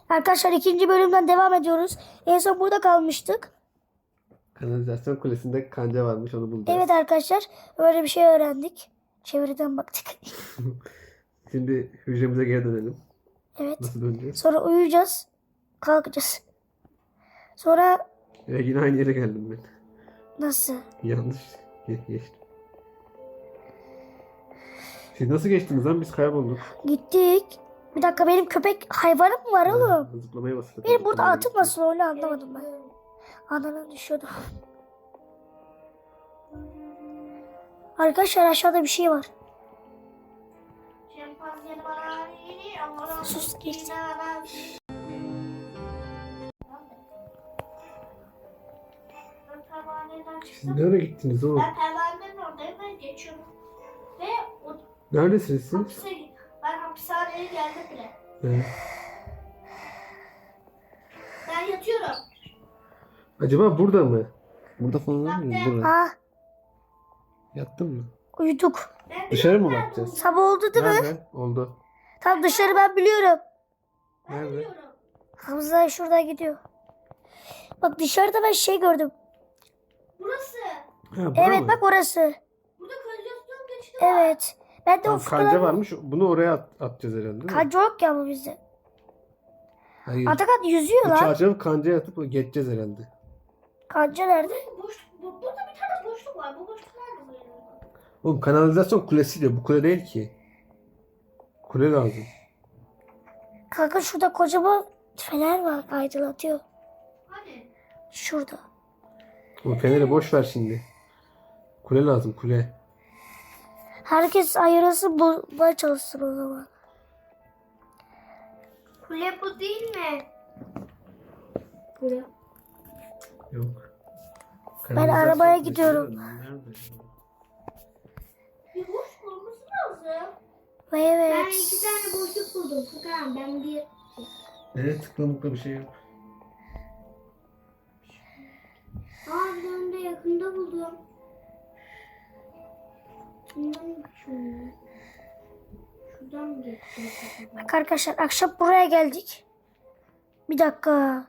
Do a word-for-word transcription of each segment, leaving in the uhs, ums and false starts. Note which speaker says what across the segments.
Speaker 1: Arkadaşlar ikinci bölümden devam ediyoruz. En son burada kalmıştık.
Speaker 2: Kanalizasyon kulesinde kanca varmış, onu bulacağız.
Speaker 1: Evet arkadaşlar öyle bir şey öğrendik. Çevreden baktık.
Speaker 2: Şimdi hücremize geri dönelim.
Speaker 1: Evet.
Speaker 2: Nasıl döneceğiz?
Speaker 1: Sonra uyuyacağız. Kalkacağız. Sonra
Speaker 2: Ya yine aynı yere geldim ben.
Speaker 1: nasıl?
Speaker 2: Yanlış ge- geçtim. Siz nasıl geçtiniz lan? Biz kaybolduk.
Speaker 1: Gittik. Bir dakika benim köpek hayvanım mı var oğlum?
Speaker 2: Ha, zıplamaya bastık.
Speaker 1: Benim burada
Speaker 2: Zıplamaya
Speaker 1: atım
Speaker 2: gittik.
Speaker 1: nasıl öyle anlamadım ben. Anana düşüyordu. Arkadaşlar aşağıda bir şey var. Sus geçti.
Speaker 2: Siz nereye gittiniz oğlum?
Speaker 3: Ben pervanenin oradayım ve geçiyorum. Ve o
Speaker 2: Neredesiniz siz?
Speaker 3: hapse, ben hapishaneye geldim bile.
Speaker 2: Evet.
Speaker 3: Ben yatıyorum.
Speaker 2: Acaba burada mı? Burada falan var mı? Burada.
Speaker 1: Ah
Speaker 2: Yattın mı?
Speaker 1: uyuduk.
Speaker 3: Ben
Speaker 2: Dışarı mı
Speaker 3: biliyorum
Speaker 2: bakacağız?
Speaker 1: Sabah oldu değil mi?
Speaker 2: Nerede? Oldu.
Speaker 1: Tam dışarı ben biliyorum.
Speaker 3: Ben
Speaker 2: Nerede?
Speaker 3: biliyorum.
Speaker 1: Hamza şuradan gidiyor. Bak dışarıda ben şey gördüm.
Speaker 3: Burası.
Speaker 2: Ha, bura
Speaker 1: Evet
Speaker 2: mı?
Speaker 1: bak orası.
Speaker 3: Burada kanalizasyon geçidi var.
Speaker 1: Evet. Ben de o
Speaker 2: Tamam, kanca
Speaker 1: fıkraları...
Speaker 2: varmış. Bunu oraya at- atacağız herhalde, değil mi?
Speaker 1: Kanca yok ya bu bizde.
Speaker 2: Hayır.
Speaker 1: Atakan yüzüyor
Speaker 2: Bu
Speaker 1: lan.
Speaker 2: çarşafı kancaya atıp geçeceğiz herhalde.
Speaker 1: Kanca nerede?
Speaker 3: Boş, bu, burada bir tane boşluk var. Bu boşluk nerede bu yani?
Speaker 2: Oğlum kanalizasyon kulesi diyor. Bu kule değil ki. Kule lazım.
Speaker 1: Kanka şurada kocaman fener var aydınlatıyor.
Speaker 3: Hani?
Speaker 1: Şurada.
Speaker 2: O feneri boş ver şimdi. Kule lazım, kule.
Speaker 1: Herkes ayırası bulmaya çalışsın o zaman.
Speaker 3: Kule bu değil mi?
Speaker 1: Kule.
Speaker 2: Yok.
Speaker 1: Ben
Speaker 2: Kanalizasyon
Speaker 1: arabaya
Speaker 2: kulesi
Speaker 1: gidiyorum.
Speaker 2: nerede?
Speaker 3: Bir boşluk olması lazım.
Speaker 1: Evet.
Speaker 3: Ben iki tane boşluk buldum. Furkan ben bir...
Speaker 2: Evet, tıklamakta bir şey yok.
Speaker 3: Aa bir tane de yakında buldum. Bundan şunu. Şuradan mı geçeceğiz acaba?
Speaker 1: Bak arkadaşlar akşam buraya geldik. Bir dakika.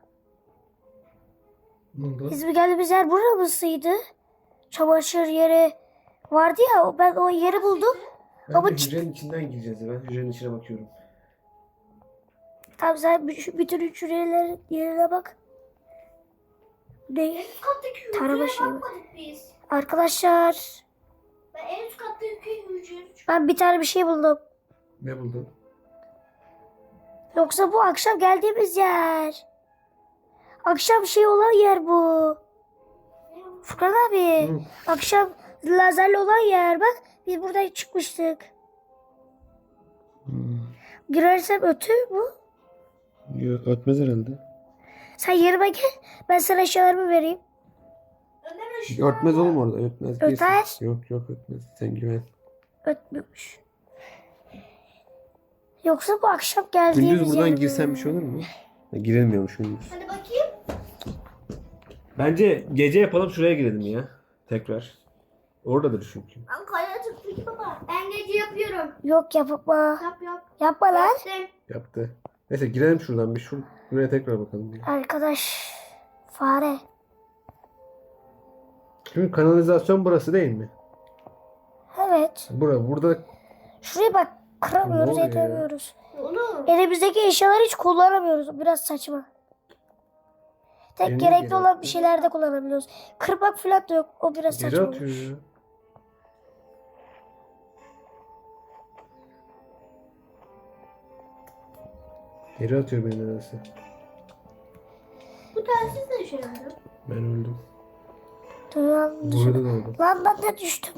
Speaker 2: Ne oldu?
Speaker 1: Biz bir geldiğimiz yer burasıydı. Çamaşır yeri vardı ya ben o yeri buldum.
Speaker 2: Ben
Speaker 1: Ama
Speaker 2: de
Speaker 1: çıt-
Speaker 2: hücrenin içinden gireceğiz. Ben hücrenin içine bakıyorum.
Speaker 1: Tamam sen bütün bütün üç yerler yerine bak. Ne?
Speaker 3: En üst kattaki
Speaker 1: Tarama
Speaker 3: hücreye
Speaker 1: şeyi.
Speaker 3: bakmadık biz.
Speaker 1: Arkadaşlar
Speaker 3: Ben en üst kattaki hücreye...
Speaker 1: ben bir tane bir şey buldum.
Speaker 2: Ne buldun?
Speaker 1: Yoksa bu akşam geldiğimiz yer. Akşam şey olan yer bu. Furkan abi.
Speaker 2: Hı.
Speaker 1: Akşam lazerli olan yer bak. Biz buradan çıkmıştık.
Speaker 2: Hmm.
Speaker 1: Girersem ötür mü?
Speaker 2: Yok, ötmez herhalde.
Speaker 1: Sen yerime gel. Ben sana eşyalarımı vereyim.
Speaker 3: Ömer ışığı
Speaker 2: Ötmez oğlum orada, ötmez.
Speaker 1: Öter.
Speaker 2: Girsin. Yok yok, ötmez. Sen güven.
Speaker 1: Ötmüyormuş. Yoksa bu akşam geldiğimiz
Speaker 2: Gündüz buradan
Speaker 1: yer mi?
Speaker 2: girsen bir şey olur mu? Ha, girilmiyormuş gündüz.
Speaker 3: Hadi bakayım.
Speaker 2: Bence gece yapalım, şuraya girelim ya. Tekrar. Oradadır çünkü.
Speaker 3: Ben kaya tıklı baba. Ben gece yapıyorum.
Speaker 1: Yok yapma.
Speaker 3: Yap yap.
Speaker 1: Yapma lan.
Speaker 3: Yaptım.
Speaker 2: Yaptı. Neyse girelim şuradan bir şur şuraya tekrar bakalım. Ya.
Speaker 1: Arkadaş. Fare.
Speaker 2: Çünkü kanalizasyon burası değil mi?
Speaker 1: Evet.
Speaker 2: Bura, burada
Speaker 1: Şuraya bak. Kıramıyoruz,
Speaker 2: Ne oluyor ya?
Speaker 1: edemiyoruz.
Speaker 3: Oğlum.
Speaker 1: Elimizdeki eşyaları hiç kullanamıyoruz. Biraz saçma. Tek
Speaker 2: Eline
Speaker 1: gerekli
Speaker 2: geri
Speaker 1: olan
Speaker 2: attı.
Speaker 1: bir şeylerde kullanabiliyoruz. Kırmak falan da yok. O biraz
Speaker 2: geri
Speaker 1: saçma.
Speaker 2: atıyor
Speaker 1: olmuş.
Speaker 2: ya. Geri atıyor beni nedense.
Speaker 3: Bu telsiz de şey yapıyor.
Speaker 2: Ben öldüm.
Speaker 1: Dünyanın
Speaker 2: Burada
Speaker 1: dışına.
Speaker 2: da öldüm.
Speaker 1: Lan ben de düştüm.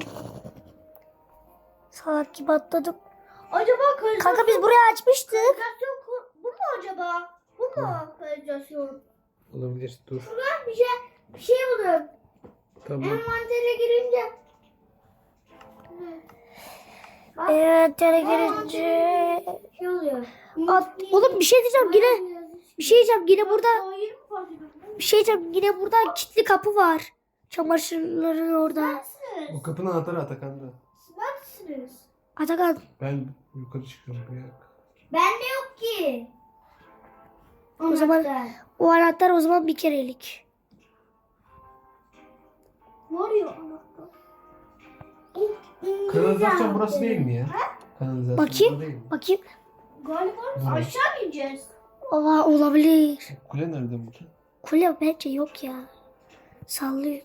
Speaker 1: Salak gibi atladım.
Speaker 3: Acaba kanalizasyon...
Speaker 1: Kanka biz burayı açmıştık.
Speaker 3: Kanalizasyon ku- bu mu acaba? Bu mu kanalizasyon?
Speaker 2: Olabilir, dur.
Speaker 3: Ben bir şey, bir şey buldum.
Speaker 2: Tamam.
Speaker 3: Envantere girince... Bak,
Speaker 1: Evet tere girince.
Speaker 3: şey oluyor.
Speaker 1: At, oğlum bir şey diyeceğim yine. Bir şey diyeceğim yine burada.
Speaker 3: Hayır mı fark ediyorsun?
Speaker 1: Bir şey diyeceğim yine burada kilitli kapı var. Çamaşırların orada.
Speaker 3: Neredesiniz?
Speaker 2: O kapının anahtarı Atakan'da.
Speaker 3: Siz neredesiniz?
Speaker 1: Atakan.
Speaker 2: Ben yukarı çıkıyorum. Bir dakika.
Speaker 3: Bende yok ki.
Speaker 1: O zaman o anahtar o zaman bir kerelik.
Speaker 3: Var ya anahtar.
Speaker 2: Kanalizasyon burası değil mi ya? Kanalizasyon
Speaker 1: Bakayım.
Speaker 2: burada değil mi?
Speaker 1: Bakayım.
Speaker 3: Galiba
Speaker 2: Hı.
Speaker 3: aşağı ineceğiz.
Speaker 1: Aa, olabilir.
Speaker 2: Kule nerede burada?
Speaker 1: Kule bence yok ya. Sallıyor.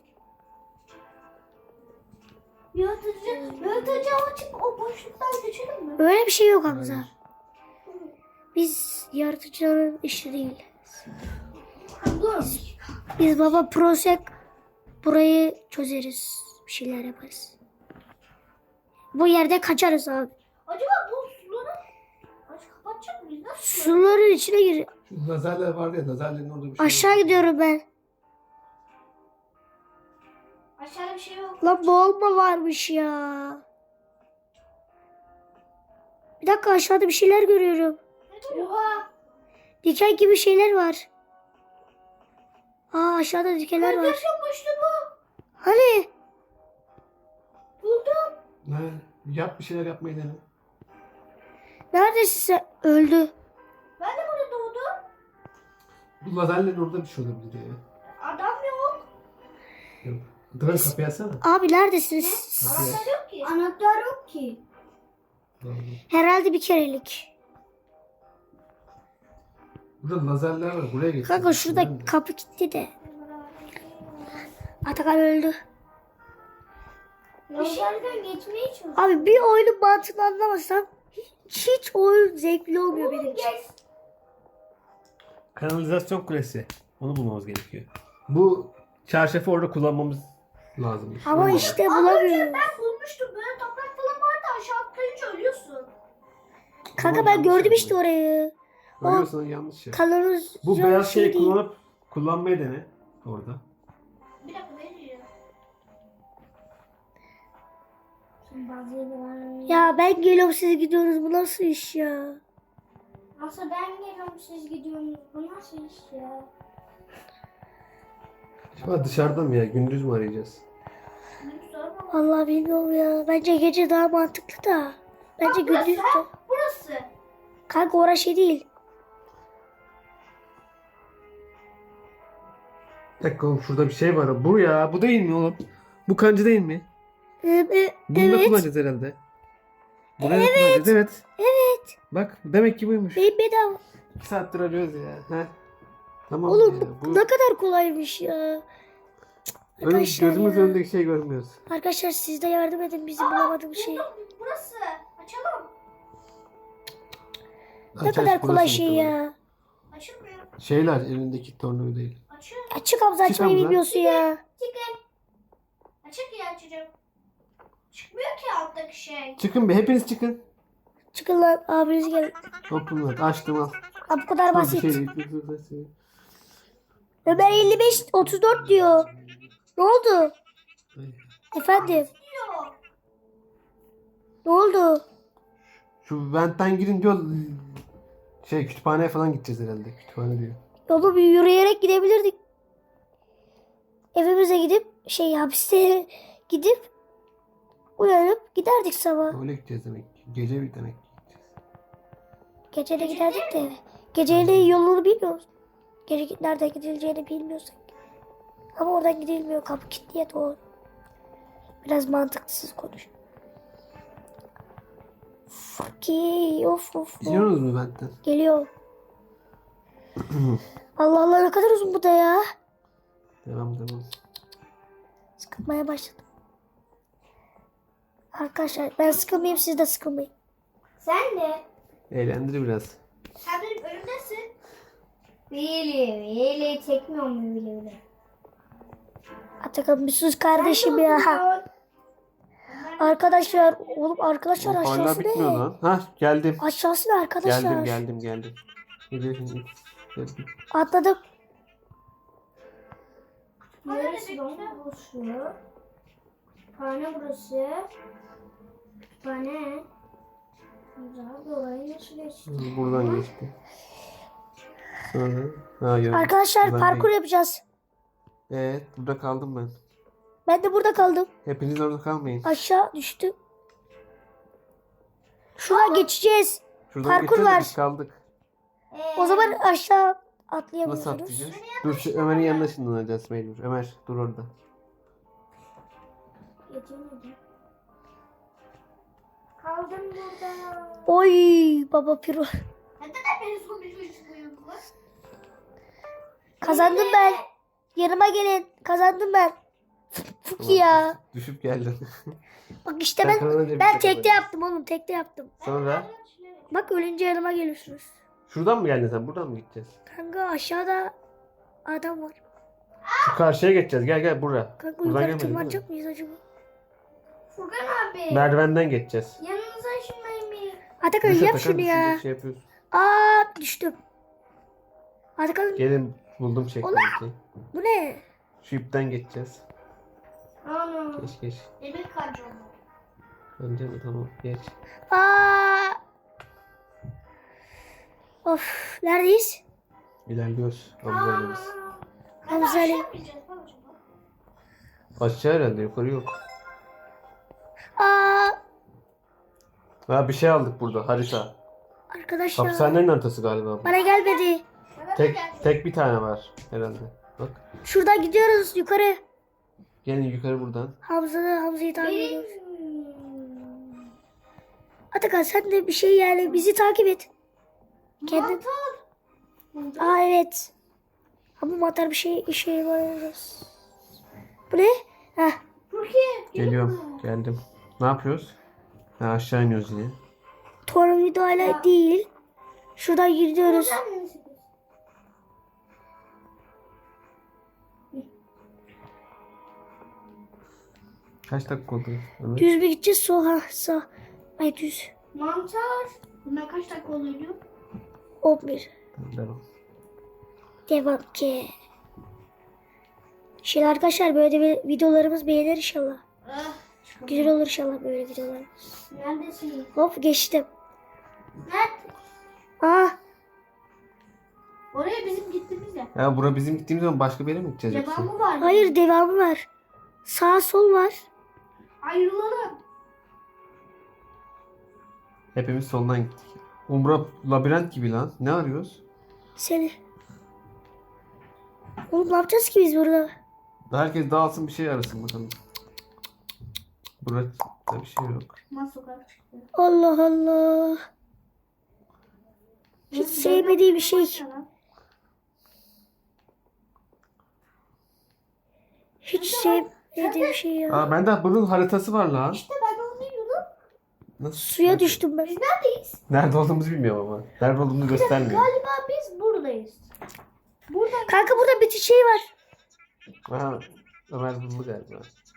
Speaker 3: Yaratıcı, yaratıcı açıp o boşluktan geçelim mi?
Speaker 1: Öyle bir şey yok Hamza.
Speaker 2: Hayır.
Speaker 1: Biz yaratıcıların işi değil.
Speaker 3: Dur.
Speaker 1: Biz baba prosek burayı çözeriz. Bir şeyler yaparız. Bu yerde kaçarız abi.
Speaker 3: Acaba bu suları aç kapatacak mıyız? Nasıl?
Speaker 1: Suların içine gir.
Speaker 2: Şu lazerler vardı ya, lazerlerin orada bir şey
Speaker 1: Aşağı
Speaker 2: yok.
Speaker 1: gidiyorum ben.
Speaker 3: Aşağıda bir şey yok.
Speaker 1: Lan boğulma varmış ya. Bir dakika aşağıda bir şeyler görüyorum.
Speaker 3: Oha.
Speaker 1: Diken gibi şeyler var. Aa aşağıda dikenler var.
Speaker 3: Yaşanmıştı bu.
Speaker 1: Hani?
Speaker 3: Buldum.
Speaker 2: Ne? Yap bir şeyler yapmayı dene.
Speaker 1: Neredesin sen? Öldü.
Speaker 3: Ben de burada doğdum.
Speaker 2: Bu lazerlerin orada bir şey olabilir ya.
Speaker 3: Adam yok.
Speaker 2: Yok. Dıran kapıyı açsana.
Speaker 1: Abi neredesiniz?
Speaker 2: Kapıyı aç.
Speaker 3: Anahtar yok ki. Anahtar yok ki.
Speaker 1: Herhalde bir kerelik.
Speaker 2: Burada lazerler var. Buraya geç.
Speaker 1: Kanka şurada kapı gitti de. Atakan öldü.
Speaker 3: Dışarıdan geçmeye çalışıyorum.
Speaker 1: Abi bir oyunun mantığını anlamasam hiç, hiç oyun zevkli olmuyor benim için.
Speaker 3: Geç.
Speaker 2: Kanalizasyon kulesi. Onu bulmamız gerekiyor. Bu çarşafı orada kullanmamız lazım.
Speaker 1: Ama
Speaker 2: Olmadı.
Speaker 1: işte
Speaker 3: Az önce
Speaker 1: bulamıyorum.
Speaker 3: ben bulmuştum. Böyle toprak falan vardı. Aşağı atlayınca ölüyorsun.
Speaker 1: Kanka
Speaker 2: Tamam,
Speaker 1: ben
Speaker 2: yanlış
Speaker 1: gördüm
Speaker 2: yaptın.
Speaker 1: işte orayı.
Speaker 2: Ölüyorsan yanlış ya.
Speaker 1: Kanalizasyon
Speaker 2: Bu beyaz
Speaker 1: şey
Speaker 2: şeyi
Speaker 1: değil.
Speaker 2: kullanıp kullanmayı dene orada.
Speaker 3: Bir dakika ne diyeceğim?
Speaker 1: Ya ben geliyorum siz gidiyorsunuz bu nasıl iş ya?
Speaker 3: Nasıl ben geliyorum siz gidiyorsunuz. Bu nasıl iş ya?
Speaker 2: Acaba dışarıda mı ya? Gündüz mü arayacağız?
Speaker 3: Bir sorma.
Speaker 1: Vallahi bilmiyorum ya. Bence gece daha mantıklı da. Bence
Speaker 3: Bak, burası,
Speaker 1: gündüz de.
Speaker 3: ha? Burası.
Speaker 1: Kanka orası şey değil.
Speaker 2: Bir dakika oğlum, şurada bir şey var. Bu ya. Bu değil mi oğlum? Bu kancı değil mi?
Speaker 1: Ee, e,
Speaker 2: Bunu da
Speaker 1: evet.
Speaker 2: kullanacağız herhalde. Bunu da kullanacağız. Evet.
Speaker 1: Evet.
Speaker 2: Bak demek ki buymuş.
Speaker 1: Benim bedava.
Speaker 2: İki saattir arıyoruz ya. Heh. Tamam
Speaker 1: Oğlum
Speaker 2: ya.
Speaker 1: bu
Speaker 2: Bu
Speaker 1: ne kadar kolaymış ya.
Speaker 2: önüm,
Speaker 1: Arkadaşlar
Speaker 2: gözümüz
Speaker 1: ya.
Speaker 2: önündeki şeyi görmüyoruz.
Speaker 1: Arkadaşlar siz de yardım edin bizim bulamadığımız şey.
Speaker 3: Buldum. Burası. Açalım.
Speaker 1: Ne
Speaker 2: Aç,
Speaker 1: kadar
Speaker 2: aç,
Speaker 1: kolay
Speaker 2: burası
Speaker 1: şey
Speaker 2: muhtemelen.
Speaker 1: ya.
Speaker 3: Açılmıyor.
Speaker 2: Şeyler elindeki tornavida değil.
Speaker 3: Açıyor.
Speaker 1: Açık Hamza
Speaker 2: Çık
Speaker 1: açmayı
Speaker 2: Hamza.
Speaker 1: bilmiyorsun ya.
Speaker 3: Çıkın. Açık ya açacağım. Çıkmıyor ki alttaki şey.
Speaker 2: Çıkın be, hepiniz çıkın.
Speaker 1: Çıkın lan abiniz gel.
Speaker 2: Open açtım al.
Speaker 1: Ha, bu kadar
Speaker 2: Dur, bir
Speaker 1: basit.
Speaker 2: şey değil, bir şey değil.
Speaker 1: Ömer elli beş otuz dört diyor. Ne oldu?
Speaker 2: Ay.
Speaker 1: Efendim
Speaker 3: Diyor.
Speaker 1: ne oldu?
Speaker 2: Şu ventten girin diyor. Şey kütüphaneye falan gideceğiz herhalde. Kütüphane diyor.
Speaker 1: Yolu bir yürüyerek gidebilirdik. Evimize gidip şey hapiste gidip uyanıp giderdik sabah.
Speaker 2: Öyle gideceğiz demek ki. Gece bir demek ki gideceğiz.
Speaker 1: Gece de giderdik de eve. Geceyle yolunu bilmiyoruz. Gece nereden gidileceğini bilmiyorsak. Ama oradan gidilmiyor. Kapı kilitliye doğru. Biraz mantıksız konuş. Fakir. Of of. of.
Speaker 2: Gidiyorsunuz mu ventten?
Speaker 1: Geliyor. Allah Allah ne kadar uzun bu da ya.
Speaker 2: Devam devam.
Speaker 1: Sıkılmaya başladım. Arkadaşlar ben sıkılmayayım siz de sıkılmayın.
Speaker 3: Sen de.
Speaker 2: Eğlendir biraz.
Speaker 3: Sen benim önümdesin. Veli, Veli çekmiyor mu Veli Veli?
Speaker 1: Atakan bir sus kardeşim ya. Arkadaşlar oğlum arkadaşlar
Speaker 2: Hala
Speaker 1: aşağısı
Speaker 2: bitmiyor
Speaker 1: ne?
Speaker 2: lan. Hah geldim.
Speaker 1: Aşağısı ne arkadaşlar?
Speaker 2: Geldim geldim geldim. Geldim. Geldim.
Speaker 1: Atladım.
Speaker 3: Neresi lan burası? Kütüphane burası. Kütüphane. Güzel, orayı nasıl geçti?
Speaker 2: Buradan geçti. Sonra. Ha, yok.
Speaker 1: Arkadaşlar
Speaker 2: Buradan
Speaker 1: parkur
Speaker 2: değil.
Speaker 1: yapacağız.
Speaker 2: Evet burada kaldım ben.
Speaker 1: Ben de burada kaldım.
Speaker 2: Hepiniz orada kalmayın.
Speaker 1: Aşağı düştüm. Şuradan geçeceğiz.
Speaker 2: Şuradan
Speaker 1: parkur
Speaker 2: geçiyoruz da
Speaker 1: var.
Speaker 2: biz kaldık.
Speaker 3: Ee,
Speaker 1: O zaman aşağı
Speaker 2: Nasıl
Speaker 1: atlayamıyorsunuz.
Speaker 2: atlayacağız? Dur şu Ömer'in yanına ışınlanacağız mecbur. Ömer dur orada.
Speaker 3: Geçemedim. Kaldım burada.
Speaker 1: Oy baba piro.
Speaker 3: Neden beni son bir çocuk uyuyor?
Speaker 1: Kazandım ben. Yanıma gelin. Kazandım ben. Fuki ya.
Speaker 2: Düşüp geldin.
Speaker 1: Bak işte
Speaker 2: Sen
Speaker 1: ben
Speaker 2: kazanınca bir
Speaker 1: ben
Speaker 2: şey
Speaker 1: tekte
Speaker 2: yapamayız.
Speaker 1: yaptım oğlum. Tekte yaptım.
Speaker 2: Sonra
Speaker 1: Bak ölünce yanıma geliyorsunuz.
Speaker 2: şuradan mı geldin sen? Buradan mı gideceğiz?
Speaker 1: Kanka aşağıda adam var.
Speaker 2: Şu karşıya geçeceğiz. Gel gel buraya.
Speaker 1: Kanka
Speaker 2: Buradan
Speaker 1: yukarı
Speaker 2: gelmedik değil mi?
Speaker 1: tırmanacak mıyız acaba?
Speaker 3: Furkan abi.
Speaker 2: Merdivenden geçeceğiz.
Speaker 3: Yanınıza ışınlayın beni.
Speaker 1: Atakan
Speaker 2: Düşe
Speaker 1: yap
Speaker 2: takar
Speaker 1: şunu ya.
Speaker 2: düşünecek şey yapıyorsun.
Speaker 1: Aa düştüm. Atakan
Speaker 2: Gelin buldum checkpoint'i.
Speaker 1: bu ne?
Speaker 2: Şu ipten geçeceğiz.
Speaker 3: Ana.
Speaker 2: Geç geç.
Speaker 3: Demir kancam.
Speaker 2: Önce mi tamam geç.
Speaker 1: Aa. Of neredeyiz?
Speaker 2: İlerliyoruz. Ablayla biz.
Speaker 1: Hamza Ali.
Speaker 2: Aşağı herhalde yukarı yok.
Speaker 1: Aa
Speaker 2: Ha bir şey aldık burada harita.
Speaker 1: arkadaşlar
Speaker 2: Hapishanenin haritası galiba bu.
Speaker 1: bana gelmedi.
Speaker 2: Tek tek bir tane var herhalde. Bak.
Speaker 1: Şuradan gidiyoruz yukarı.
Speaker 2: Gelin yukarı buradan.
Speaker 1: Hamza'da Hamza'yı takip
Speaker 3: Benim.
Speaker 1: ediyoruz. Atakan sen de bir şey yani bizi takip et. Kendin.
Speaker 3: Mantar.
Speaker 1: Aa evet. Ama mantar bir şey işe yaramaz. Bu ne? Heh.
Speaker 3: Türkiye.
Speaker 2: Geliyorum. Geldim. Ne yapıyoruz? Ha, aşağı iniyoruz yine.
Speaker 1: Tornavida hala değil. Şuradan gidiyoruz.
Speaker 2: Kaç dakika oldu? Ömer?
Speaker 1: Düz mü gideceğiz? Sol ha sağ. Ay düz.
Speaker 3: Mantar. Bundan kaç dakika oluyor?
Speaker 1: on bir.
Speaker 2: Devam.
Speaker 1: Devam ki. Şimdi arkadaşlar böyle de videolarımız beğenir inşallah.
Speaker 3: Ah.
Speaker 1: Güzel olur inşallah böyle videolarımız.
Speaker 3: Neredesin?
Speaker 1: Hop geçtim.
Speaker 3: Nerede?
Speaker 1: Aa
Speaker 3: Oraya bizim gittiğimiz yer.
Speaker 2: Ya bura bizim gittiğimiz zaman başka bir yere mi gideceğiz yoksa?
Speaker 3: Devamı var.
Speaker 1: hayır devamı var. Sağ sol var.
Speaker 3: Ayrılalım.
Speaker 2: Hepimiz soldan gittik. Umbra labirent gibi lan. Ne arıyoruz?
Speaker 1: Seni. Oğlum ne yapacağız ki biz burada?
Speaker 2: Herkes dağılsın bir şey arasın bakalım. Burada bir şey yok.
Speaker 3: Nasıl sokak çıktı?
Speaker 1: Allah Allah. Hiç sevmediğim bir şey. Hiç sevmediğim bir şey ya.
Speaker 2: Aa bende bunun haritası var lan.
Speaker 3: İşte ben de onu diyordum.
Speaker 2: Nasıl?
Speaker 1: Suya düştüm ben.
Speaker 3: Biz neredeyiz?
Speaker 2: Nerede olduğumuzu bilmiyorum ama. Nerede olduğumuzu göstermiyor.
Speaker 3: Galiba biz buradayız. Burada.
Speaker 1: Kanka burada bir şey var.
Speaker 2: Aha, Ömer buldu galiba.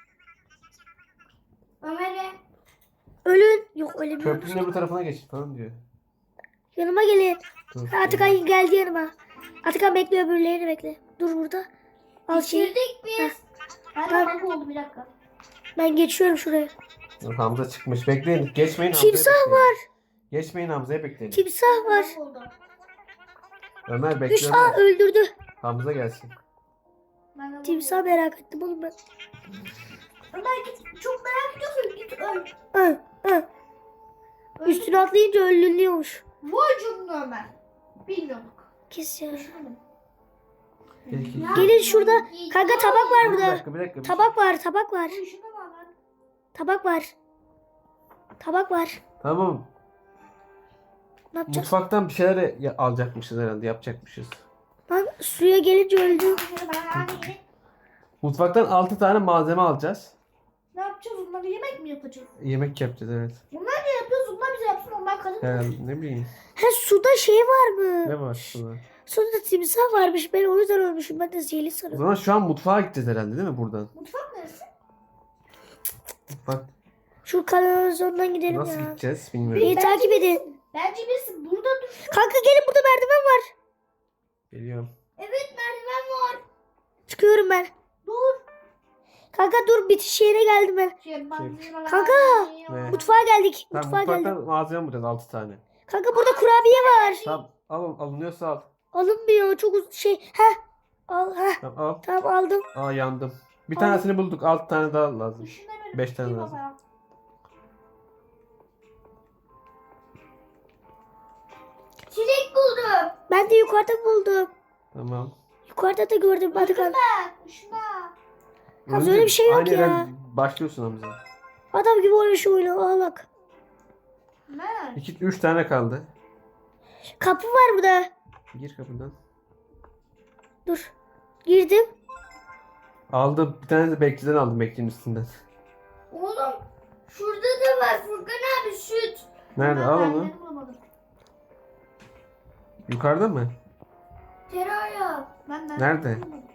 Speaker 3: Ömer'e.
Speaker 1: Ölün. Yok ölemiyorum.
Speaker 2: Köprünün öbür tarafına geçin falan diyor.
Speaker 1: Yanıma gelin.
Speaker 2: Dur.
Speaker 1: Atakan geldi yanıma. Atakan bekle öbürlerini bekle. Dur burada. Al şeyi.
Speaker 3: Bitirdik biz. Ben
Speaker 1: Tamam.
Speaker 3: kanka oldu bir dakika.
Speaker 1: Ben geçiyorum şuraya.
Speaker 2: Hamza çıkmış. Bekleyin. Geçmeyin Hamza'ya
Speaker 1: Timsah
Speaker 2: bekleyin.
Speaker 1: var.
Speaker 2: Geçmeyin Hamza'ya bekleyin.
Speaker 1: Timsah var.
Speaker 3: Kanka oldu.
Speaker 2: Ömer
Speaker 1: Üç
Speaker 2: bekle
Speaker 1: A
Speaker 2: Ömer.
Speaker 1: öldürdü.
Speaker 2: Hamza gelsin.
Speaker 3: Ben de
Speaker 1: Timsah merak ettim oğlum ben.
Speaker 3: Ömer git. Çok merak ediyorsun. Git öl.
Speaker 1: Hı, hı. Üstüne atlayınca öldürülüyormuş.
Speaker 3: Vay canına Ömer. Bilmiyorduk.
Speaker 1: Kes ya.
Speaker 3: Düşünmedim.
Speaker 2: Peki.
Speaker 1: Gelin şurada. Kanka tabak var
Speaker 2: Bir
Speaker 1: burada.
Speaker 2: dakika bir dakika.
Speaker 1: Tabak var, tabak var.
Speaker 3: Ay, şuna bak lan.
Speaker 1: Tabak var. Tabak var.
Speaker 2: Tamam.
Speaker 1: Ne yapacağız?
Speaker 2: Mutfaktan bir şeyler ya- alacakmışız herhalde. Yapacakmışız.
Speaker 1: Lan suya gelince öldü.
Speaker 3: Ben-
Speaker 2: Mutfaktan altı tane malzeme alacağız.
Speaker 3: Ne yapacağız? Onları yemek mi yapacağız?
Speaker 2: Yemek yapacağız evet.
Speaker 3: Bunlar ne yapıyoruz? Onlar bize yapsın. Onlar kadın.
Speaker 2: Yani ne bileyim.
Speaker 1: Ha suda şey var mı?
Speaker 2: Ne var şurada?
Speaker 1: Suda timsah varmış. Ben o yüzden ölmüşüm. Ben de zehirli
Speaker 2: O
Speaker 1: sanıyorum.
Speaker 2: zaman şu an mutfağa gideceğiz herhalde değil mi buradan?
Speaker 3: Mutfak neresi?
Speaker 2: Mutfak
Speaker 1: Şu kanalizasyondan gidelim
Speaker 2: nasıl
Speaker 1: ya.
Speaker 2: gideceğiz bilmiyorum.
Speaker 1: Beni takip edin.
Speaker 3: Bence biz burada dur.
Speaker 1: Kanka gelin burada merdiven var.
Speaker 2: Geliyorum.
Speaker 3: Evet merdiven var.
Speaker 1: Çıkıyorum ben.
Speaker 3: Dur.
Speaker 1: Kanka dur bitiş yerine geldim ben.
Speaker 3: Şey, ben-
Speaker 1: Kanka!
Speaker 2: Ne?
Speaker 1: Mutfağa geldik.
Speaker 2: Tamam
Speaker 1: Mutfağa
Speaker 2: mutfaktan
Speaker 1: geldik.
Speaker 2: malzeme bulacağız altı tane.
Speaker 1: Kanka burada kurabiye var.
Speaker 2: Tamam al alınıyorsa al.
Speaker 1: Alınmıyor. Çok uz- şey. Heh. Al. Heh.
Speaker 2: Tamam al.
Speaker 1: Tamam aldım.
Speaker 2: Aa yandım. Bir tanesini bulduk. Altı tane daha lazım.
Speaker 3: Düşünemedim.
Speaker 2: Beş tane
Speaker 3: İyi
Speaker 2: lazım.
Speaker 3: baba. Çilek buldum.
Speaker 1: Ben de yukarıda buldum.
Speaker 2: Tamam.
Speaker 1: Yukarıda da gördüm Atakan.
Speaker 3: Bak şuna.
Speaker 1: Hamza öyle bir şey yok
Speaker 2: Aynı
Speaker 1: ya.
Speaker 2: yerden başlıyorsun Hamza.
Speaker 1: Adam gibi oynuyor şu oyunu. Ağlak.
Speaker 3: Ne?
Speaker 2: İki, üç tane kaldı.
Speaker 1: Kapı var burada.
Speaker 2: Gir kapıdan.
Speaker 1: Dur. Girdim.
Speaker 2: Aldım. Bir tane de bekçiden aldım bekçinin üstünden.
Speaker 3: Oğlum şurada da var Furkan abi süt.
Speaker 2: Nerede?
Speaker 3: Ben
Speaker 2: Al
Speaker 3: ben
Speaker 2: onu.
Speaker 3: de bulamadım.
Speaker 2: Yukarıda mı?
Speaker 3: Tereyağı. Ben ben
Speaker 2: Nerede?
Speaker 3: bulamadım.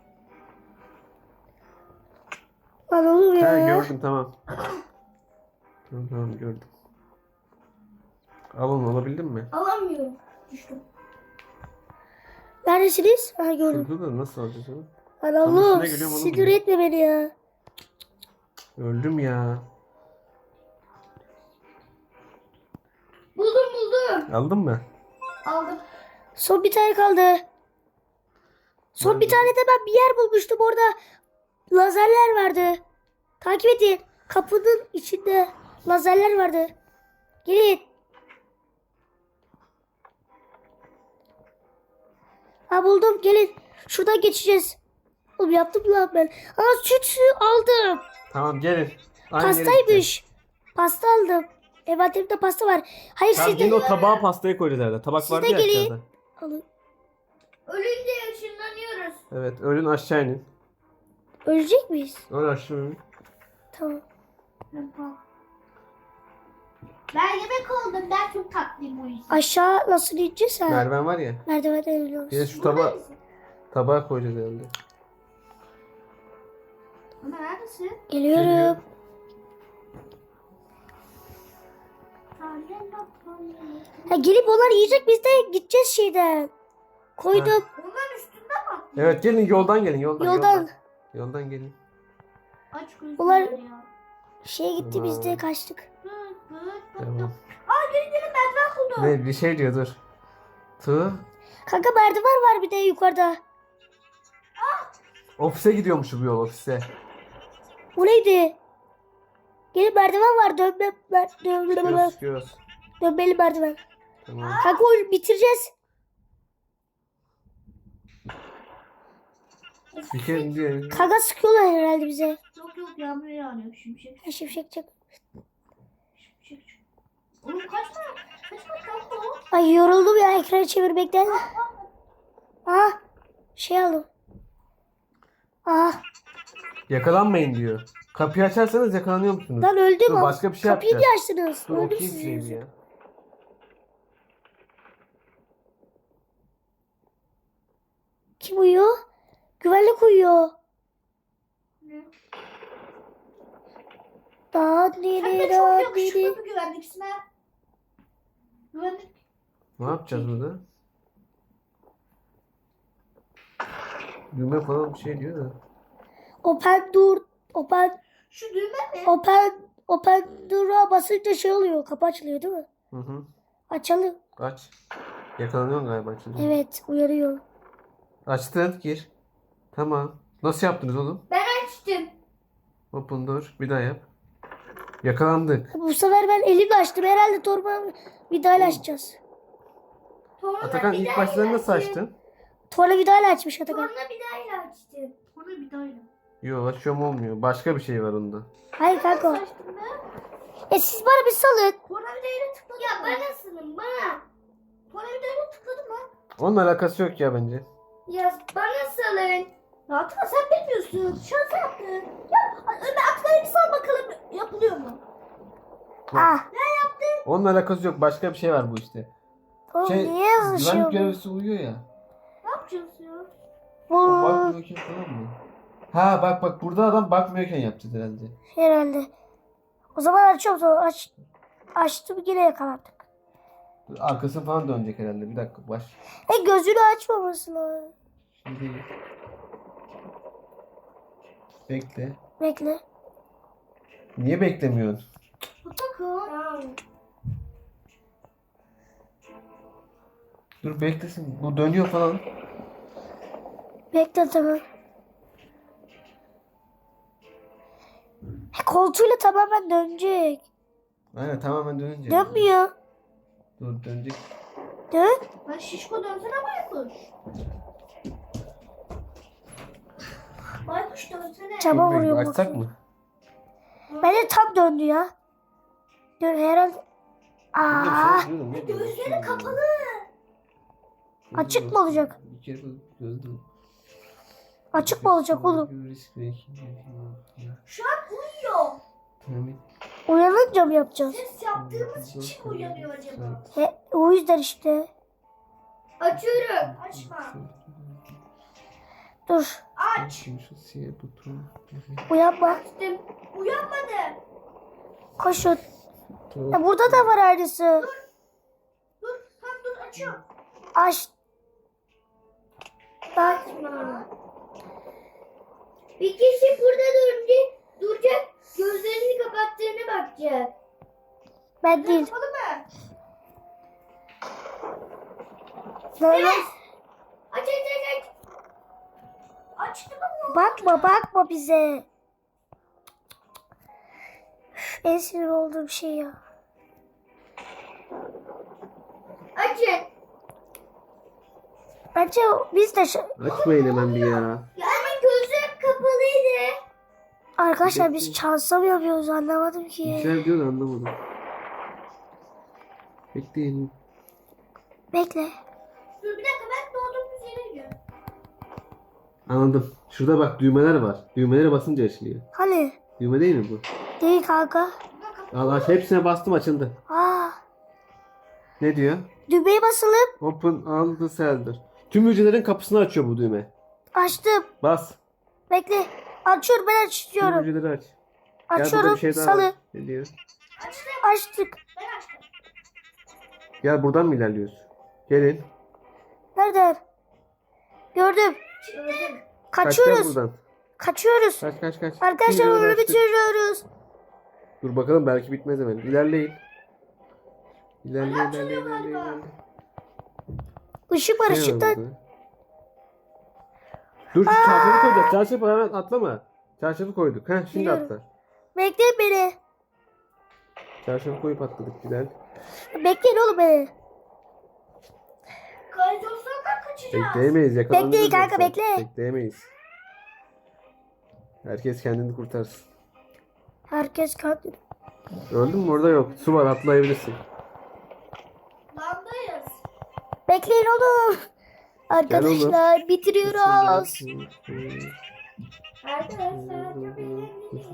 Speaker 1: Lan oğlum ya.
Speaker 2: Ha gördüm tamam. Tamam tamam gördüm. Al onu alabildin mi?
Speaker 3: Alamıyorum. Düştüm.
Speaker 1: Neredesiniz? Ha gördüm.
Speaker 2: Şurada da nasıl alacağız onu?
Speaker 1: Lan
Speaker 2: Tam
Speaker 1: oğlum.
Speaker 2: üstüne geliyorum oğlum
Speaker 1: Sinir
Speaker 2: ya.
Speaker 1: etme beni ya.
Speaker 2: Öldüm ya.
Speaker 3: Buldum buldum.
Speaker 2: Aldın mı?
Speaker 3: Aldım.
Speaker 1: Son bir tane kaldı. Son bir tane de ben bir yer bulmuştum. Orada lazerler vardı. Takip edin. Kapının içinde lazerler vardı. Gelin. Ha buldum. Gelin. Şuradan geçeceğiz. Oğlum yaptım lan ben. Aa süt aldım.
Speaker 2: Tamam gelin. Aynı yere gideceğiz.
Speaker 1: Pastaymış. Pasta aldım. Envanterimde pasta var. Hayır
Speaker 2: Tamam
Speaker 1: siz de
Speaker 2: gelin o tabağa pastayı koyacağız herhalde. Tabak
Speaker 1: Siz
Speaker 2: vardı
Speaker 1: de
Speaker 2: ya
Speaker 1: gelin.
Speaker 2: aşağıda.
Speaker 1: alın.
Speaker 3: Ölünce ışınlanıyoruz.
Speaker 2: Evet ölün aşağı inin.
Speaker 1: Ölecek miyiz?
Speaker 2: Öl aşağı inin.
Speaker 1: Tamam.
Speaker 3: Ben yemek oldum. Ben çok tatlıyım o yüzden.
Speaker 1: Aşağı nasıl ineceğiz ha?
Speaker 2: Merdiven var ya.
Speaker 1: Merdivenden iniyoruz.
Speaker 2: Bir de şu tabağa, tabağa koyacağız herhalde.
Speaker 3: Ama neredesin?
Speaker 1: Geliyorum.
Speaker 2: Geliyor.
Speaker 1: Ha, gelip onlar yiyecek biz de gideceğiz şeyden. Koydum.
Speaker 3: Onların üstünde mi?
Speaker 2: Evet gelin yoldan gelin yoldan.
Speaker 1: Yoldan.
Speaker 2: Yoldan, Yoldan gelin.
Speaker 3: Aç gözlüler
Speaker 1: Ulan-
Speaker 3: ya.
Speaker 1: Şeye gitti biz de
Speaker 2: Tamam.
Speaker 1: kaçtık.
Speaker 3: Hı, hı, hı.
Speaker 2: Tamam.
Speaker 3: Aa gelin gelin merdiven buldum.
Speaker 2: Ne bir şey diyor dur. Tığ.
Speaker 1: Kanka merdiven var bir de yukarıda.
Speaker 2: Ofise gidiyormuş bu yol ofise.
Speaker 1: Bu neydi? Gelin merdiven var. Dönme, mer, dönme,
Speaker 2: Çıkıyoruz çıkıyoruz.
Speaker 1: dönmeli merdiven.
Speaker 2: Tamam.
Speaker 1: Kanka oyunu bitireceğiz.
Speaker 2: Bir kere diye.
Speaker 1: Kanka sıkıyorlar herhalde bize.
Speaker 3: Yok yok yağmur yağıyor şimşek
Speaker 1: Ha, şimşek çak.
Speaker 3: şimşek. Oğlum kaç tane? Kaç tane kaldı o?
Speaker 1: Ay yoruldum ya ekranı çevirmekten. Aha şey aldım. Aha
Speaker 2: Yakalanmayın diyor. Kapıyı açarsanız yakalanıyor musunuz?
Speaker 1: lan öldüm.
Speaker 2: Dur, başka bir şey
Speaker 1: Kapıyı niye
Speaker 2: yapacağız.
Speaker 1: açtınız?
Speaker 2: Dur
Speaker 1: Öldüm
Speaker 2: okuyayım
Speaker 1: sizin
Speaker 2: şeyi
Speaker 1: yüzünüzden.
Speaker 2: ya.
Speaker 1: Kim uyuyor? Güvenlik uyuyor.
Speaker 3: Ne?
Speaker 1: Da
Speaker 3: Sen
Speaker 1: diri
Speaker 3: de
Speaker 1: da
Speaker 3: çok yakışıklı
Speaker 1: diri.
Speaker 3: bir güvenliksin ha. Güvenlik.
Speaker 2: Ne yapacağız burada? Düğme falan bir şey diyor da.
Speaker 1: Open dur. Open
Speaker 3: Şu düğme mi?
Speaker 1: open open dur'a basınca şey oluyor. Kapı açılıyor değil mi?
Speaker 2: Hı hı.
Speaker 1: Açalım.
Speaker 2: Aç. Yakalanıyorsun galiba şimdi.
Speaker 1: Evet uyarıyor.
Speaker 2: Açtın gir. Tamam. Nasıl yaptınız oğlum?
Speaker 3: Ben açtım.
Speaker 2: Open door. Bir daha yap. Yakalandık.
Speaker 1: Bu sefer ben elimle açtım. Herhalde torba vidayla açacağız.
Speaker 3: Sonra
Speaker 2: Atakan
Speaker 3: bir
Speaker 2: ilk
Speaker 3: daha
Speaker 2: başta nasıl
Speaker 3: açtım.
Speaker 2: açtın?
Speaker 1: Torla vidayla açmış Atakan.
Speaker 3: Sonra bir daha açtım. Sonra bir daha
Speaker 2: Yok açıyorum olmuyor. Başka bir şey var onda.
Speaker 1: Hayır kanka.
Speaker 3: açtım ben.
Speaker 1: E siz bana bir salın.
Speaker 3: Sonra bir daha tıkladım. Ya ben nasılım bana? Sonra bir daha tıkladım mı?
Speaker 2: Onun alakası yok ya bence.
Speaker 3: Ya bana salın. Ya Atakan sen bilmiyorsun. Şans yaptın. Ya Ömer Atakan'a bir sal bakalım yapılıyor mu?
Speaker 1: Ah.
Speaker 3: Ne yaptın?
Speaker 2: Onun alakası yok. Başka bir şey var bu işte.
Speaker 1: Oğlum
Speaker 2: Şey,
Speaker 1: niye yazışıyor
Speaker 2: güvenlik
Speaker 1: bu?
Speaker 2: görevlisi uyuyor ya.
Speaker 3: Ne yapacağız ya?
Speaker 2: O
Speaker 1: Bu
Speaker 2: bakmıyorken falan mı? Ha bak bak burada adam bakmıyorken yapacağız herhalde.
Speaker 1: herhalde. O zaman açıyorum sonra aç. Açtım yine yakalandık.
Speaker 2: Dur, arkasını falan dönecek herhalde. Bir dakika baş.
Speaker 1: E gözünü açmaması lazım.
Speaker 2: Şimdi bekle.
Speaker 1: Bekle.
Speaker 2: Niye beklemiyorsun?
Speaker 3: Atakan.
Speaker 2: Dur beklesin. Bu dönüyor falan.
Speaker 1: Bekle tamam. E, koltuğuyla tamamen dönecek.
Speaker 2: Aynen tamamen dönünce.
Speaker 1: Dönmüyor.
Speaker 2: Dur dönecek.
Speaker 1: Dön.
Speaker 3: Ben şişko dönsene baykuş. Aç dönsene.
Speaker 1: Çaba
Speaker 2: Dur,
Speaker 1: vuruyor
Speaker 2: açsak
Speaker 1: bakayım.
Speaker 2: mı?
Speaker 1: Bence tam döndü ya. Dön herhalde. Aa,
Speaker 3: Gözleri kapalı.
Speaker 1: Açık mı olacak?
Speaker 2: Bir kere gözüm.
Speaker 1: açık mı olacak oğlum?
Speaker 3: Şu an uyuyor.
Speaker 1: Uyanınca mı yapacağız?
Speaker 3: Ses yaptığımız için mi uyanıyor acaba?
Speaker 1: He, o yüzden işte.
Speaker 3: Açıyorum. Açma.
Speaker 1: Dur.
Speaker 3: Aç.
Speaker 1: Uyanma.
Speaker 3: Açtım. Uyanmadı.
Speaker 1: Koşun. Ya burada da var aynısı.
Speaker 3: Dur. Tam dur. Açıyorum.
Speaker 1: Aç.
Speaker 3: Açma. Bir kişi burada durunca duracak. Gözlerini kapattığını bakacak.
Speaker 1: Ben değil.
Speaker 3: Kapalı mı?
Speaker 1: Böyle.
Speaker 3: Evet. Aç aç aç aç. Açtı mı?
Speaker 1: Bakma bakma bize. Üf, en sinir olduğum şey ya.
Speaker 3: Açın.
Speaker 1: Bence biz de şu...
Speaker 2: Açmayın hemen bir ya.
Speaker 3: Yani gözüm kapalıydı.
Speaker 1: Arkadaşlar biz şansa mı yapıyoruz anlamadım ki.
Speaker 2: Güzel diyor da anlamadım. Bekleyin.
Speaker 1: Bekle.
Speaker 3: Dur bir dakika ben doğduğumuz yere gidiyorum.
Speaker 2: Anladım. Şurada bak düğmeler var. Düğmelere basınca açılıyor.
Speaker 1: Hani?
Speaker 2: Düğme değil mi bu?
Speaker 1: Değil kanka.
Speaker 2: Allah hepsine bastım açıldı.
Speaker 1: Aa,
Speaker 2: Ne diyor?
Speaker 1: düğmeye basalım.
Speaker 2: Open all the cylinder. Tüm hücrelerin kapısını açıyor bu düğme.
Speaker 1: Açtım.
Speaker 2: Bas.
Speaker 1: Bekle. Açıyorum ben
Speaker 2: Tüm
Speaker 1: açıyorum.
Speaker 2: hücreleri aç. Gel burada
Speaker 1: Açıyorum.
Speaker 2: bir şey daha
Speaker 1: Salı.
Speaker 2: var. Ne diyor?
Speaker 3: Açtım.
Speaker 1: Açtık.
Speaker 3: Ben açtım.
Speaker 2: Gel buradan mı ilerliyoruz? Gelin.
Speaker 1: Nerede? Gördüm.
Speaker 3: Çıktım.
Speaker 2: Kaçacağız
Speaker 1: Kaçıyoruz.
Speaker 2: buradan.
Speaker 1: Kaçıyoruz.
Speaker 2: Kaç kaç kaç.
Speaker 1: Arkadaşlar
Speaker 2: Tüm
Speaker 1: onu
Speaker 2: hücreleri açtık.
Speaker 1: bitiriyoruz.
Speaker 2: Dur bakalım belki bitmez hemen. İlerleyin. İlerle
Speaker 3: Hala
Speaker 2: ilerle
Speaker 3: açılıyor
Speaker 2: ilerle
Speaker 3: galiba.
Speaker 2: ilerle.
Speaker 1: Işık var
Speaker 2: Ne var
Speaker 1: ışıktan.
Speaker 2: burada? Dur şu çarşafı koyacağız. Çarşafı hemen atlama. Çarşafı koyduk. Heh şimdi
Speaker 1: Biliyorum.
Speaker 2: atla.
Speaker 1: Bekleyin beni.
Speaker 2: Çarşafı koyup atladık güzel.
Speaker 1: Bekleyin oğlum beni.
Speaker 3: Kaybolsadan kaçacağız.
Speaker 2: Bekleyemeyiz yakalanırız.
Speaker 1: Bekleyin kanka,
Speaker 2: yoksa.
Speaker 1: bekle.
Speaker 2: Bekleyemeyiz. Herkes kendini kurtarsın.
Speaker 1: Herkes kalktı.
Speaker 2: Öldün mü? Orada yok. Su var atlayabilirsin.
Speaker 3: Landayız.
Speaker 1: Bekleyin oğlum. Arkadaşlar bitiriyoruz.
Speaker 3: Arkadaşlar çok eğlenceli.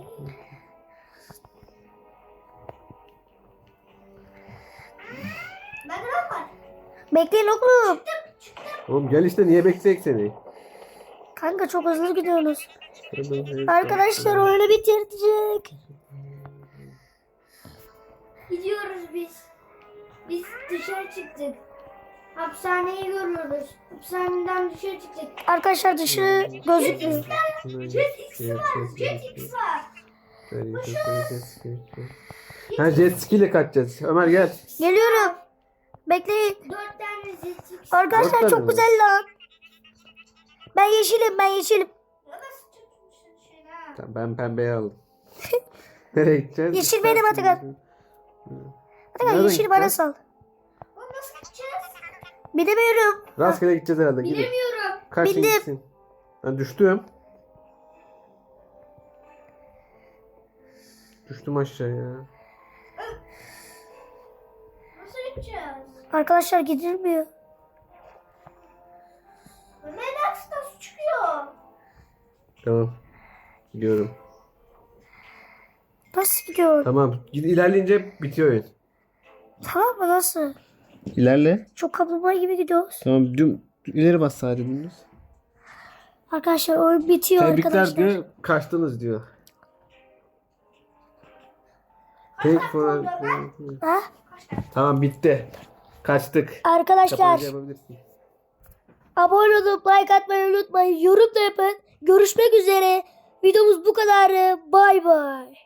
Speaker 3: Ben de lan var.
Speaker 1: Bekleyin oğlum.
Speaker 2: Oğlum gel işte niye bekleyecek seni?
Speaker 1: Kanka çok hızlı gidiyorsunuz. Arkadaşlar oyunu bitirecek.
Speaker 3: Gidiyoruz biz. Biz dışarı çıktık. Hapishaneyi görüyoruz. Hapishaneden dışarı çıktık.
Speaker 1: Arkadaşlar dışı gözükmüyor.
Speaker 3: Jet X var. Jet X var.
Speaker 2: Ha jet ski ile kaçacağız. Ömer gel.
Speaker 1: Geliyorum. Bekleyin.
Speaker 3: Dört tane Jet X.
Speaker 1: Arkadaşlar
Speaker 2: Dört tane
Speaker 1: çok
Speaker 2: mi?
Speaker 1: güzel lan. Ben yeşilim ben yeşilim.
Speaker 3: Ya nasıl tutmuşsun şey ha?
Speaker 2: Tamam, ben pembeyi aldım. Nereye gideceğiz?
Speaker 1: Yeşil benim Atakan. Atakan
Speaker 2: Nereden
Speaker 1: yeşili bana
Speaker 2: gideceğiz?
Speaker 1: sal.
Speaker 3: Oğlum nasıl gideceğiz?
Speaker 1: Bilemiyorum.
Speaker 2: Rastgele gideceğiz herhalde. Gidin.
Speaker 3: Bilemiyorum.
Speaker 2: Kaçın
Speaker 1: Bildim.
Speaker 2: gitsin. Ben düştüm. Düştüm aşağıya.
Speaker 3: Nasıl gideceğiz?
Speaker 1: Arkadaşlar gidilmiyor.
Speaker 3: Ömer aksine su çıkıyor.
Speaker 2: Tamam. Gidiyorum.
Speaker 1: Nasıl gidiyor?
Speaker 2: Tamam. Gid ilerleyince bitiyor oyun.
Speaker 1: Tamam mı nasıl?
Speaker 2: İlerle.
Speaker 1: Çok kaplumbağa gibi gidiyoruz.
Speaker 2: Tamam. Düm, ileri bas sadece dümdüz.
Speaker 1: Arkadaşlar oyun bitiyor
Speaker 2: Tebrikler
Speaker 1: arkadaşlar.
Speaker 2: diyor. Kaçtınız diyor. Thank for...
Speaker 1: Ha?
Speaker 2: Tamam bitti. Kaçtık.
Speaker 1: Arkadaşlar
Speaker 2: Kapanışı yapabilirsin.
Speaker 1: abone olup like atmayı unutmayın. Yorum da yapın. Görüşmek üzere. Videomuz bu kadar. Bay bay.